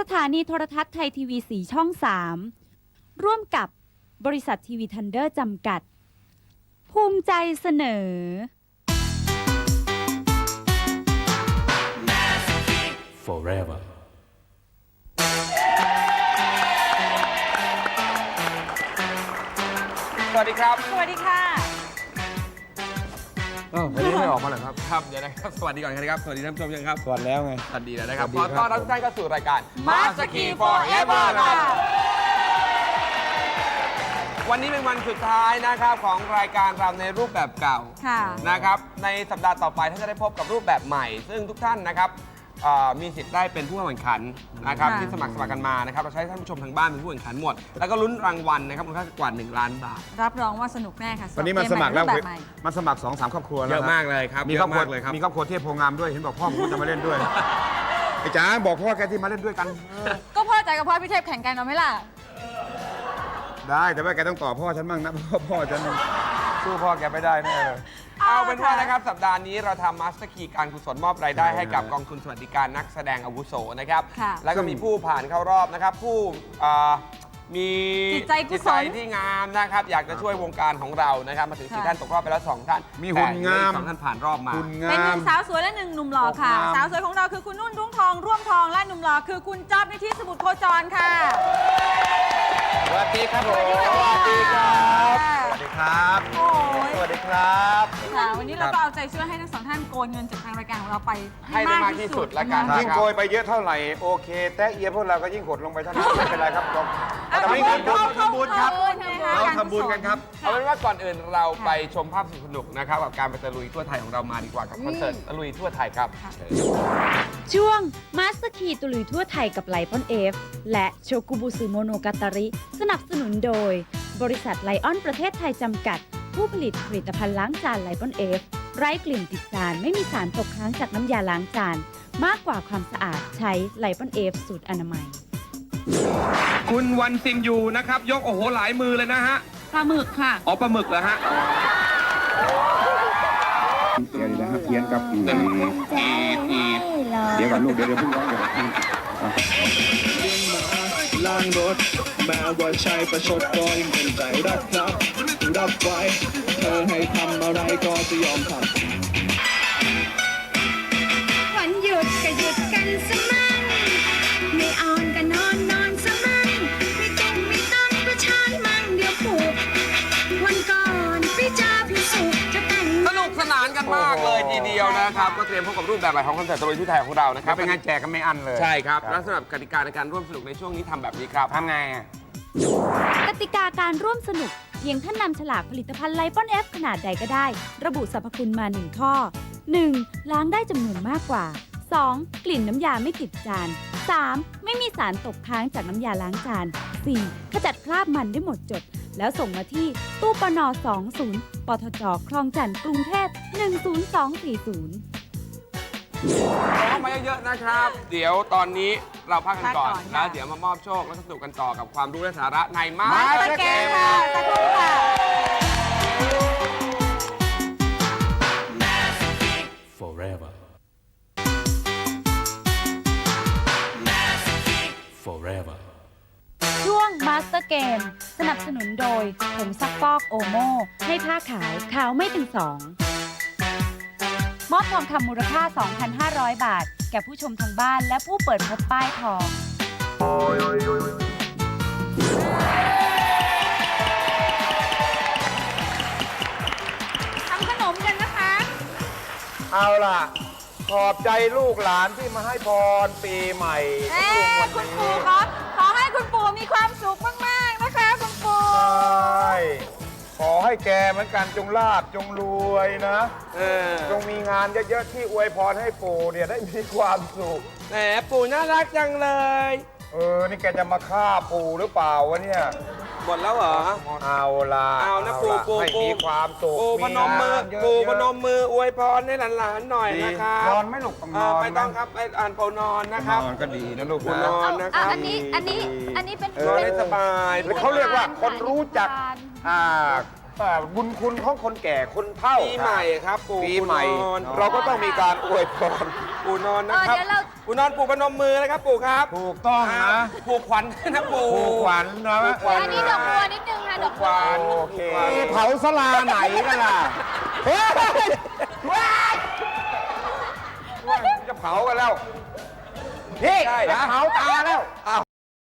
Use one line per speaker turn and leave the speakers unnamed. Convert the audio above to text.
สถานีโทรทัศน์ไทยทีวี4 ช่อง 3 ร่วมกับบริษัททีวีทันเดอร์จำกัด ภูมิใจเสนอ
Forever
สวัสดีครับ
สวัสดีค่ะ
วันนี้ไม่ออกมาเหรอครับ
ครับเดี๋ยวนะครับ สวัสดีก่อนครับ สวัสดีท่านผู้ชมยังครับ
สวัสดีแล้วไง
สวัสดีแล้วนะครับ
สวั
ข
ส
อ
ดีครับ
ต้อนรับทุกท่านเข้าสู่รายการ
Master Key Forever
ครับวันนี้เป็นวันสุดท้ายนะครับของรายการเราในรูปแบบเก่า
ค่ะ
นะครับ ในสัปดาห์ต่อไปท่านจะได้พบกับรูปแบบใหม่ ซึ่งทุกท่านนะครับมีสิทธิ์ได้เป็นผู้เข้าแข่งขันนะครับ
ค่ะ
ที่สมัครกันมานะครับเราใช้ท่านผู้ชมทางบ้านเป็นผู้แข่งขันหมด แล้วก็ลุ้นรางวัลนะครับมูลค่ากว่า1 ล้านบาท
รับรองว่าสนุกแน่ค่ะ
วันนี้มันสมัครแล้ว
เกใหรูปแบบใหม่
มันสมัคร2-3 ครอบครัวแล้ว
เยอะมากเลยครับ
มีครอบครัว
เยอะมากเลยครับ
มีครอบครัวเทพโพงามด้วยเห็นบอกพ่อผมจะมาเล่นด้วยไอ้จ๋าบอกพ่อแกที่มาเล่นด้วยกัน
ก็พ่อใจกับพ่อพี่เทพแข่งกันเอาไหมล่ะ
ได้แต่ว่าแกต้องต่อพ่อฉันบ้างนะเพราะพ่อฉันสู้พ่อแกไม่ได้แน่เลย
เอาเป็นว่านะครับสัปดาห์นี้เราทำมาสเตอร์คีการกุศลมอบรายได้ให้กับกองทุนสวัสดิการนักแสดงอาวุโสนะครับ
ค่ะ
แล้วก็มีผู้ผ่านเข้ารอบนะครับ ผู้มี
จิตใจกุศล
ที่งามนะครับ อยากจะช่วยวงการของเรานะครับ มาถึง
ค่ะ
4 ท่านตกรอบไปแล้ว 2 ท่าน
มีหุ่นงาม
แต่เหลืออีก2 ท่านผ่านรอบมา
คุณ
เป็น
งา
หนึ่
ม
งสาวสวยและ1 หนุ่มหล่อค่ะ
งาม
สาวสวยของเราคือคุณนุ่นรุ่งทองร่วมทองและหนุ่มหล่อคือคุณจ๊อบนิธิสมุทรโคจรค่ะ
สวัสดีครับผมสวัสดีครับสวัสดีครับ
โอ้ย
สวัสดีครับ
ค่ะวันนี้เราก็เอาใจช่วยให้ทั้งสองท่านโกนเงินจากทางรายการของเราไป
ให้ได้มากที่สุดละกัน
ะ
ยิ่งโกยไปเยอะเท่าไหร่โอเค แต่เอียพวกเราก็ยิ่งหดลงไปเท่านั้นไม่เป็นไรครับเรา
เอา
ทำบุญ
ทำบุญครับ
เราทำบุญกันครับ
เอาเป็นว่าก่อนอื่นเราไปชมภาพสนุกๆนะครับกับการไปตะลุยทั่วไทยของเรามาดีกว่ากับคอนเสิร์ตตะลุยทั่วไทยครับ
ช่วง Master Key ตุลุยทั่วไทยกับไลปอนเอฟและโชกุบุสึโมโนกาตาริ สนับสนุนโดย บริษัทไลออนประเทศไทยจำกัด ผู้ผลิตผลิตภัณฑ์ล้างจานไลปอนเอฟไร้กลิ่นติดจานไม่มีสารตกค้างจากน้ำยาล้างจาน มากกว่าความสะอาดใช้ไลปอนเอฟสูตรอนามัย
คุณวันซิมยูนะครับยกโอ้โหหลายมือเลยนะฮะ
ปลาหมึกค่ะ
อ๋อปลาหมึกเหรอฮะ
เดี๋ยวนะครับเพี้ยนครับเดี๋ยวก่อนลูกเดี๋ยวเพิ่งร้องเดี๋ยว
ล้างรถแม้ว่าใช้ประชดก็ยังเป็นใจรักครับ รับไว้ เธอให้ทำอะไรก็จะยอมทำ
วันหยุดก็หยุดกันสมั่งไม่ออนก็นอนนอนสมั่งไม่ต้องไม่ต้องก็ชานมั่งเดี๋ยวผูกวันก่อนไปเจอพี่สุจะแต่ง
สนุกสนานกันมากเลยทีเดียวนะครับ ก็เตรียมพบกับรูปแบบใหม่ของคอนเสิร์ตตะลุยทั่วไทยของเรานะค
ค
รั
รั
บบ
เป็นงานแจกกันไม่อั้นเลย
ใช่ครับและสำหรับกติกาในการร่วมสนุกในช่วงนี้ทำแบบนี้ครับ
ทำไงอะ
กติกาการร่วมสนุกเพียงท่านนำฉลากผลิตภัณฑ์ไลปอนเอฟขนาดใดก็ได้ ระบุสรรพคุณมา 1 ข้อ 1. ล้างได้จำนวนมากกว่า 2. กลิ่นน้ำยาไม่ติดจาน 3. ไม่มีสารตกค้างจากน้ำยาล้างจาน 4. ขจัดคราบมันได้หมดจด แล้วส่งมาที่ตู้ปน20 ปทจ คลองจันทน์กรุงเทพ10240
เข้ามาเยอะๆนะครับ เดี๋ยวตอนนี้เราพักกันก่อน
พักก่อนค่ะ
แล้วเดี๋ยวมามอบโชคและสนุกกันต่อกับความรู้และสาระในมา
มาสเกมค่ะสักครู่ค่ะ
Forever Forever
ช่วง Master Game สนับสนุนโดยผงซักฟอกโอโม่ให้ผ้าขาว ขาวไม่เป็นสอง มอบทองคำมูลค่า 2,500 บาท แก่ผู้ชมทางบ้านและผู้เปิดพบป้ายทอง
ทำขนมกันนะคะ
เอาล่ะ ขอบใจลูกหลานที่มาให้พรปีใหม่
เอ๊
ของ
คุ
วั
ณ
น
ปู่
นี้
ครับขอให้คุณปู่มีความสุขมาก ๆ นะคะคุณปู่
ใช่ขอให้แกเหมือนกันจงลาบจงรวยนะ จงมีงานเยอะๆที่อวยพรให้ปู่เนี่ยได้มีความสุข
แหมปู่น่ารักจังเลย
นี่แกจะมาฆ่าปู่หรือเปล่าวะเนี่ย
หมดแล้วเหรอ
เอาล่ะ
เอานะ
ล่
ปู่
ให้มีความสุข
ปู่พนมมือ
งานเยะๆ
ปู่พนมมืออวยพรให้หลานๆหน่อย
ดี
นะครับ
นอนไหม่หลกต้องนอน
ไม่ต้องครับไปอ่านปูนอนนะครับ
นอนก็ดีนะลูก
ปู
นะ
นอนนะครับ
อันนี้เป็น
นอนให้สบาย
เขาเรียกว่าคนรู้จักบุญคุณของคนแก่คนเฒ่า
ปีใหม่ครับปู่
ปีใหม่
ปูนอน
เราก็ต้องมีการอวยพร
ปู่นอนนะครับ
เดี๋ยวเรา
ปู่นอนปู่พนมมือนะครับปู่ครับ
ถูกต้องนะ
ปู่ขวัญนะปู่
ผูกขวัญนะ
อันนี้ดอกบัวนิดนึงค่ะ ดอกบัว
โอเคเผาสลาไหนกันล่ะเฮ้ยจะเผากันแล้ว พี่จะเผาตาแล้ว